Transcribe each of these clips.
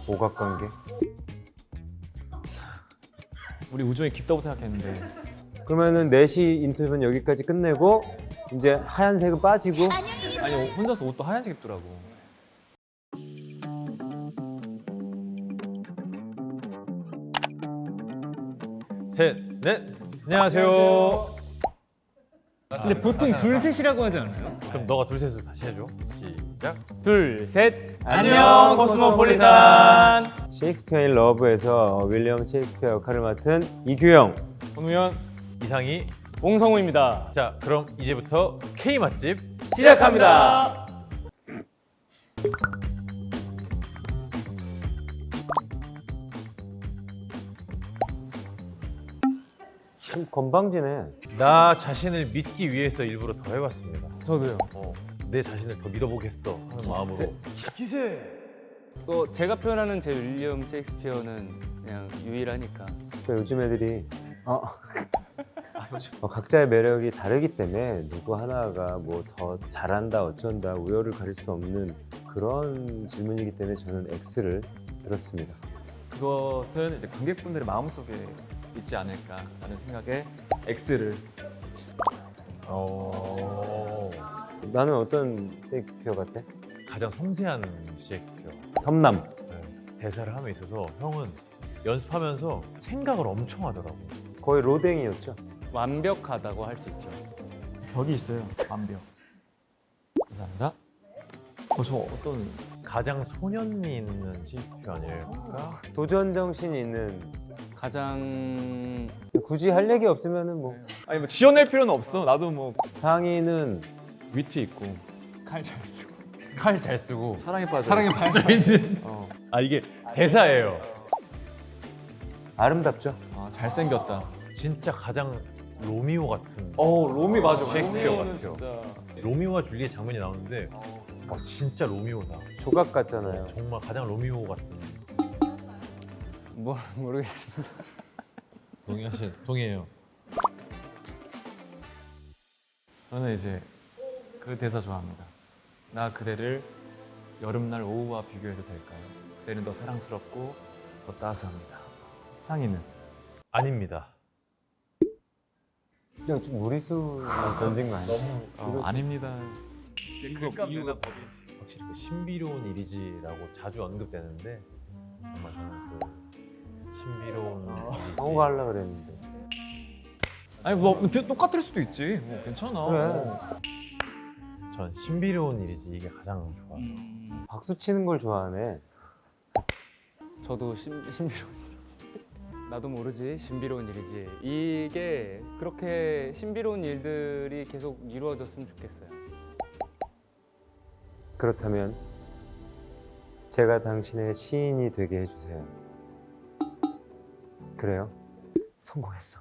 오각관계? 우리 우정이 깊다고 생각했는데. 그러면은 4시 인터뷰는 여기까지 끝내고 이제 하얀색은 빠지고. 아니 혼자서 옷도 하얀색 입더라고. 셋, 넷. 안녕하세요. 근데 보통 둘 셋이라고 하지 않아요? 그럼 너가 둘 셋으로 다시 해줘. 시작. 둘 셋. 안녕, 코스모폴리탄. 셰익스피어 인 러브에서 윌리엄 셰익스피어 역할을 맡은 이규영. 손우현. 이상희. 옹성우입니다. 자, 그럼 이제부터 K 맛집 시작합니다. 좀 건방지네. 나 자신을 믿기 위해서 일부러 더 해봤습니다. 저도요. 내 자신을 더 믿어보겠어 하는 마음으로. 기세. 또 제가 표현하는 제 윌리엄 셰익스피어는 그냥 유일하니까. 그러니까 요즘 애들이 각자의 매력이 다르기 때문에 누구 하나가 뭐 더 잘한다 어쩐다 우열을 가릴 수 없는 그런 질문이기 때문에 저는 X를 들었습니다. 그것은 이제 관객분들의 마음속에 있지 않을까라는 생각에 X를. 나는 어떤 셰익스피어 같아? 가장 섬세한 셰익스피어. 섬남. 대사를 함에 있어서 형은 연습하면서 생각을 엄청 하더라고. 거의 로댕이었죠. 완벽하다고 할 수 있죠. 벽이 있어요. 완벽. 감사합니다. 저 어떤 가장 소년미 있는 셰익스피어 아닐까? 도전 정신이 있는. 가장 굳이 할 얘기 없으면은 뭐 아니 뭐 지어낼 필요는 없어. 나도 뭐 상의는 위트 있고 칼 잘 쓰고. 칼 잘 쓰고 사랑에 빠져. 사랑에 빠져 있는. 아 이게 대사예요. 아름답죠. 잘생겼다. 진짜 가장 로미오 같은. 로미 맞아. 셰익스피어 로미오는 같아요. 진짜. 로미오와 줄리엣 장면이 나오는데 진짜 로미오다. 조각 같잖아요. 정말 가장 로미오 같은. 뭐 모르겠습니다. 동의해요. 저는 이제 그 대사 좋아합니다. 나 그대를 여름날 오후와 비교해도 될까요? 그대는 더 사랑스럽고 더 따스합니다. 상의는? 아닙니다. 그냥 좀 무리수만 던진 거 아니야? 아닙니다. 이유가 확실히 그 신비로운 일이지라고 자주 언급되는데 정말 저는 그 신비로운 일이지. 성우가 하려고 그랬는데. 아니 뭐 똑같을 수도 있지. 뭐 괜찮아. 그래. 전 신비로운 일이지 이게 가장 좋아요. 박수 치는 걸 좋아하네. 저도 신비로운 일이지. 나도 모르지 신비로운 일이지. 이게 그렇게 신비로운 일들이 계속 이루어졌으면 좋겠어요. 그렇다면 제가 당신의 시인이 되게 해주세요. 그래요? 성공했어.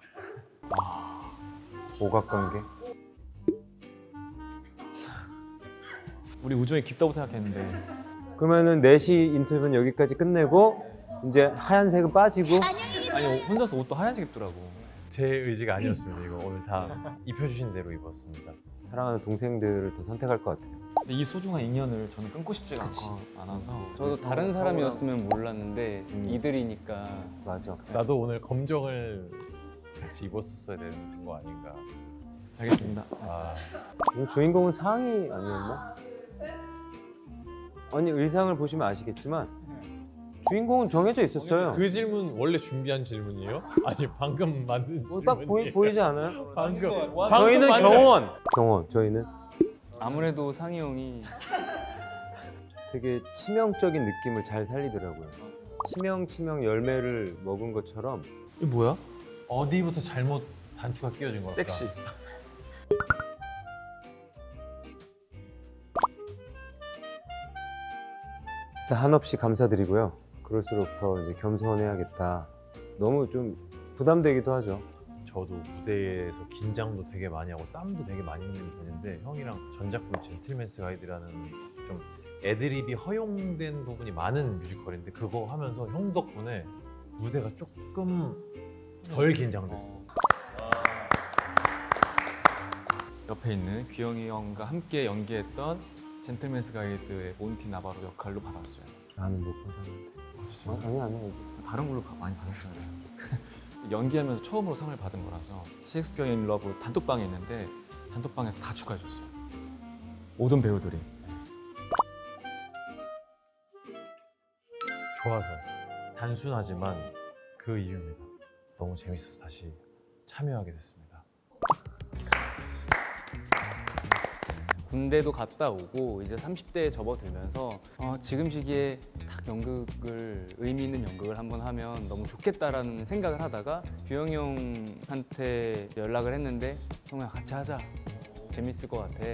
오각관계? 우리 우정이 깊다고 생각했는데. 그러면은 4시 인터뷰는 여기까지 끝내고 이제 하얀색은 빠지고. 아니 혼자서 옷도 하얀색 입더라고. 제 의지가 아니었습니다. 이거 오늘 다 입혀주신 대로 입었습니다. 사랑하는 동생들을 더 선택할 것 같아요. 근데 이 소중한 인연을 저는 끊고 싶지가 않아서. 저도 다른 사람이었으면 몰랐는데 이들이니까. 맞아. 나도 오늘 검정을 같이 입었었어야 되는 거 아닌가. 알겠습니다. 이거 주인공은 상의 아니었나? 아니 의상을 보시면 아시겠지만 주인공은 정해져 있었어요. 그 질문 원래 준비한 질문이에요? 아니 방금 만든 뭐 질문이. 딱 보이지 않아요? 방금 저희는 만든- 경원. 저희는 아무래도 상희 형이 되게 치명적인 느낌을 잘 살리더라고요. 치명 열매를 먹은 것처럼. 이게 뭐야? 어디부터 잘못 단추가 끼워진 걸까? 섹시. 일단 한없이 감사드리고요. 그럴수록 더 이제 겸손해야겠다. 너무 좀 부담되기도 하죠. 저도 무대에서 긴장도 되게 많이 하고 땀도 되게 많이 흘리게 되는데 형이랑 전작품 젠틀맨스 가이드라는 좀 애드립이 허용된 부분이 많은 뮤지컬인데 그거 하면서 형 덕분에 무대가 조금 덜 긴장됐어. 옆에 있는 귀영이 형과 함께 연기했던 젠틀맨스 가이드의 몬티 나바로 역할로 받았어요. 나는 못 받았는데. 아니. 다른 걸로 많이 받았잖아요. 연기하면서 처음으로 상을 받은 거라서 셰익스피어 인 러브 단톡방에 있는데 단톡방에서 다 축하해줬어요. 모든 배우들이. 좋아서 단순하지만 그 이유입니다. 너무 재밌어서 다시 참여하게 됐습니다. 군대도 갔다 오고 이제 30대에 접어들면서 지금 시기에 딱 연극을 의미 있는 연극을 한번 하면 너무 좋겠다라는 생각을 하다가 규영이 형한테 연락을 했는데 형아 같이 하자. 재밌을 것 같아.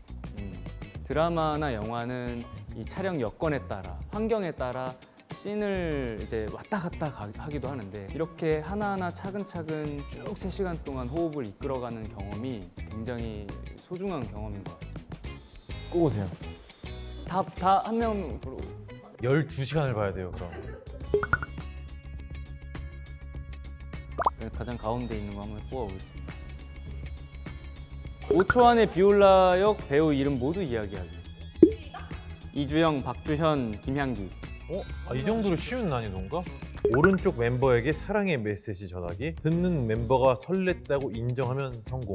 드라마나 영화는 이 촬영 여건에 따라 환경에 따라 씬을 이제 왔다 갔다 하기도 하는데 이렇게 하나하나 차근차근 쭉 3시간 동안 호흡을 이끌어가는 경험이 굉장히 소중한 경험인 것 같습니다. 꼭 오세요. 다 한 명으로 12시간을 봐야 돼요, 그럼. 가장 가운데 있는 거 한번 뽑아보겠습니다. 5초 안에 비올라 역 배우 이름 모두 이야기하기. 이주영, 박주현, 김향기. 이 정도로 쉬운 난이도인가? 오른쪽 멤버에게 사랑의 메시지 전하기. 듣는 멤버가 설렜다고 인정하면 성공.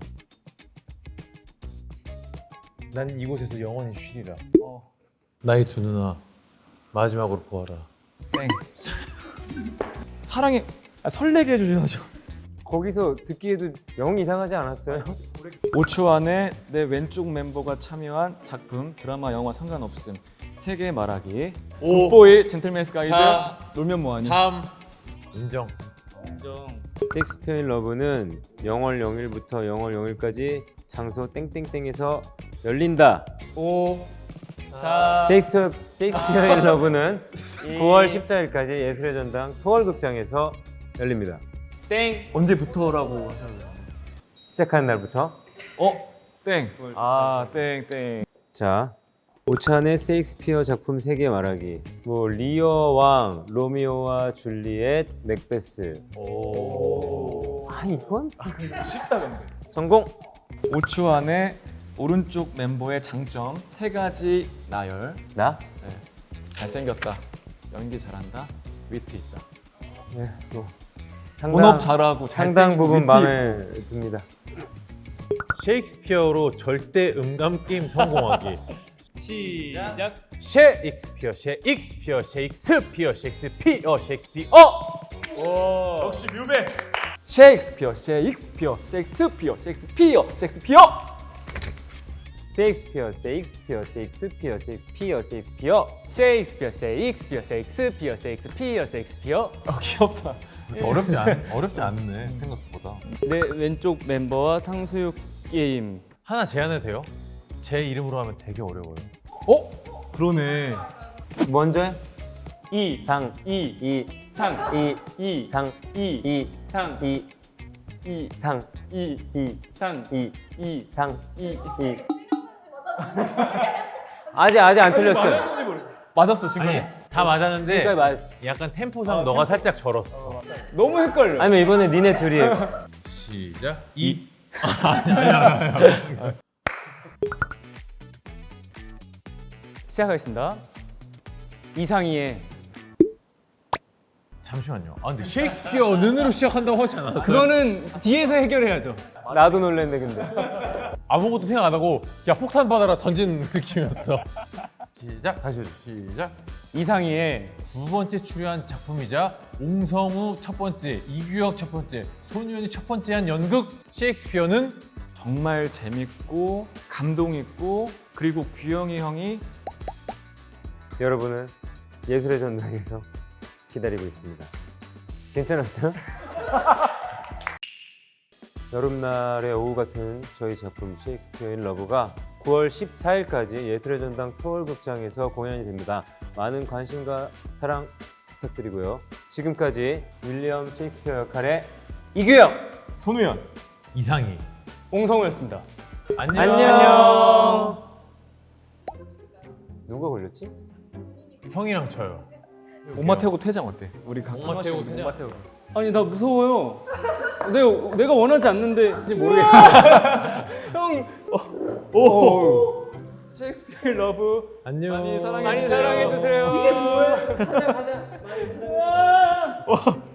난 이곳에서 영원히 쉬리라. 나의 두 누나 마지막으로 보아라. 땡. 사랑해. 설레게 해주셔야죠. 거기서 듣기에도 영 이상하지 않았어요? 5초 안에 내 왼쪽 멤버가 참여한 작품, 드라마, 영화 상관없음. 3개 말하기. 5, 뽀의 젠틀맨스 가이드. 4, 놀면 뭐하니. 3. 인정. 셰익스피어 인 러브는 0월 0일부터 0월 0일까지 장소 땡땡땡에서 열린다. 5, 4. 셰익스피어 인 러브는 9월 14일까지 예술의 전당 토월극장에서 열립니다. 땡. 언제부터라고 하셨나요? 시작하는 날부터. 땡. 땡. 자, 오찬의 셰익스피어 작품 3개 말하기. 뭐 리어 왕, 로미오와 줄리엣, 맥베스. 이건 쉽다 근데. 성공. 5초 안에 오른쪽 멤버의 장점 3가지 나열. 나? 네. 잘생겼다. 연기 잘한다. 위트 있다. 네, 뭐 본업 잘하고 상당 부분 위트 마음에 듭니다. 셰익스피어로 절대 음감 게임 성공하기. 시작. 셰익스피어. 역시 뮤베. 셰익스피어. 셰익스피어. 셰익스피어. 귀엽다. 어렵지 않네 생각보다. 내 왼쪽 멤버와 탕수육 게임. 하나 제안해도 돼요? 제 이름으로 하면 되게 어려워요. 그러네. 먼저 해. 이상 이상 이상 이상 이상 이상 이상 이 아직 안 틀렸어요. 맞았어 지금. 아니 다 맞았는데 지금까지 맞았어. 약간 템포상 너가 살짝 절었어. 너무 헷갈려. 아니면 이번에 니네 둘이 시작. 시작하겠습니다. 이상희의 잠시만요. 근데 셰익스피어 는으로 시작한다고 하지 않았어요? 그거는 뒤에서 해결해야죠. 나도 놀랬네 근데. 아무것도 생각 안 하고 야 폭탄 받아라 던진 느낌이었어. 시작. 다시 해줘. 시작. 이상희의 두 번째 출연한 작품이자 옹성우 첫 번째, 이규혁 첫 번째, 손유연이 첫 번째 한 연극 셰익스피어는 정말 재밌고 감동 있고 그리고 규영이 형이 여러분은 예술의 전당에서 기다리고 있습니다. 괜찮았어요? 여름날의 오후 같은 저희 작품 셰익스피어 인 러브가 9월 14일까지 예술의 전당 토월극장에서 공연이 됩니다. 많은 관심과 사랑 부탁드리고요. 지금까지 윌리엄 셰익스피어 역할의 이규영, 손우연. 이상희. 옹성우였습니다. 안녕. 누가 걸렸지? 형이랑 저요. 엄마 태우고 퇴장 어때? 우리 각 엄마 태우고 퇴장. 엄마 태우고. 아니 나 무서워요. 내가 원하지 않는데 모르겠지. 형. 셰익스피어 러브 안녕. 많이 사랑해 많이 주세요. 사랑해 주세요. 가자 가자.